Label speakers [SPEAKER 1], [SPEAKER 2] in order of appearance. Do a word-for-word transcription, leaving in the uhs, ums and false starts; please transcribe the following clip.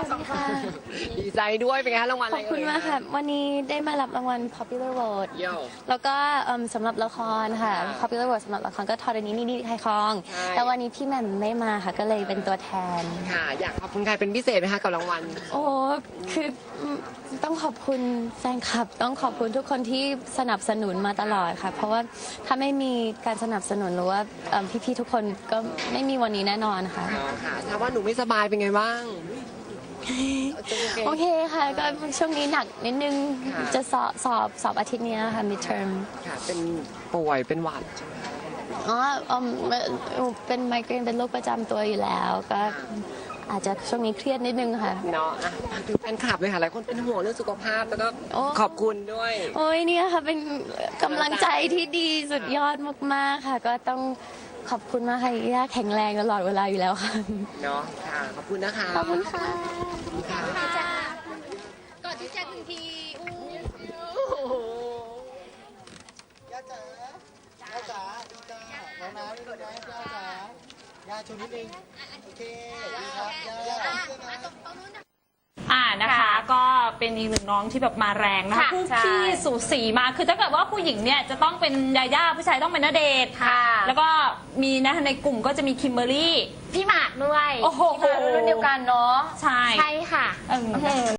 [SPEAKER 1] สองคน
[SPEAKER 2] ดีใจด้วยเป็นไงคะรางวัลอะ
[SPEAKER 1] ข
[SPEAKER 2] ไร
[SPEAKER 1] อบคุณมากค่ะ วันนี้ได้มารับรางวัล Popular Vote
[SPEAKER 2] เยี่ยม
[SPEAKER 1] แล้วก็เอิ่มสำหรับละครค่ะ
[SPEAKER 2] ค่ะ
[SPEAKER 1] Popular Vote สำหรับละครก็ทอดนี้นี่นี่ใครคลอง
[SPEAKER 2] ใช่
[SPEAKER 1] แต่วันนี้พี่แหม่มไม่มาค่ะ ก็เลยเป็นตัวแทน
[SPEAKER 2] ค่ะ อยากขอบคุณใครเป็นพิเศษไหมคะกับรางวัล
[SPEAKER 1] โอ้คือต้องขอบคุณแฟนคลับ ต้องขอบคุณทุกคนที่สนับสนุนมาตลอดค่ะ เพราะว่าถ้าไม่มีการสนับสนุนหรือว่าเอิ่มพี่ๆทุกคนก็ไม่มีวันนี้แน่นอนค่ะ
[SPEAKER 2] อ๋อค่ะทราบว่าหนูไม่สบายเป็นไงบ้าง
[SPEAKER 1] โอเคค่ะ ก็ช่วงนี้หนักนิดนึง
[SPEAKER 2] ค่ะ
[SPEAKER 1] จะสอบสอบสอบอาทิตย์เนี้ยค่ะ midterm
[SPEAKER 2] ค่ะ เป็นป่วยเป็นหวัด
[SPEAKER 1] อ๋ออืมเป็นไมเกรนเป็นโรคประจำตัวอยู่แล้ว ก็อาจจะช่วงนี้เครียดนิดนึงค่ะ
[SPEAKER 2] เนาะอ่ะฝากถึงแฟนคลับเลยค่ะ หลายคนเป็นห่วงเรื่องสุขภาพแล้วก็
[SPEAKER 1] โอ้
[SPEAKER 2] ขอบคุณด้วย
[SPEAKER 1] โอ้ยเนี่ยค่ะ เป็นกำลังใจที่ดีสุดยอดมากๆค่ะ ก็ต้องขอบคุณมากค่ะย่าแข็งแรงตลอดเวลาอยู่แล้วค่ะ
[SPEAKER 2] เนาะค่ะ ขอบคุณนะคะ
[SPEAKER 1] ขอบคุณค่ะ
[SPEAKER 2] ค่ะ
[SPEAKER 1] กอดพี่แจ๊คหนึ่งที
[SPEAKER 3] ย่าจ๋าย่าจ๋าดีจ้าน้องน้ำนี่นะย่าจ๋าย่าชูนิดนึงโอเคดีครับย่าย่า
[SPEAKER 4] อ่านะคะก็เป็นอีกหนึ่งน้องที่แบบมาแรงนะคะ
[SPEAKER 5] ค่ะ
[SPEAKER 4] คู่
[SPEAKER 5] ใช่
[SPEAKER 4] ขี้สูสีมากคือถ้าเกิดว่าผู้หญิงเนี่ยจะต้องเป็นยาย่าผู้ชายต้องเป็นณเดชน์
[SPEAKER 5] ค่ะ
[SPEAKER 4] แล้วก็มีนะในกลุ่มก็จะมีคิมเบอร์รี่
[SPEAKER 5] พี่หมากด้วย
[SPEAKER 4] โอ้โห
[SPEAKER 5] พี่หมากรุ่นเดียวกันเนาะ
[SPEAKER 4] ใช่
[SPEAKER 5] ใช่ค่ะ
[SPEAKER 4] เออ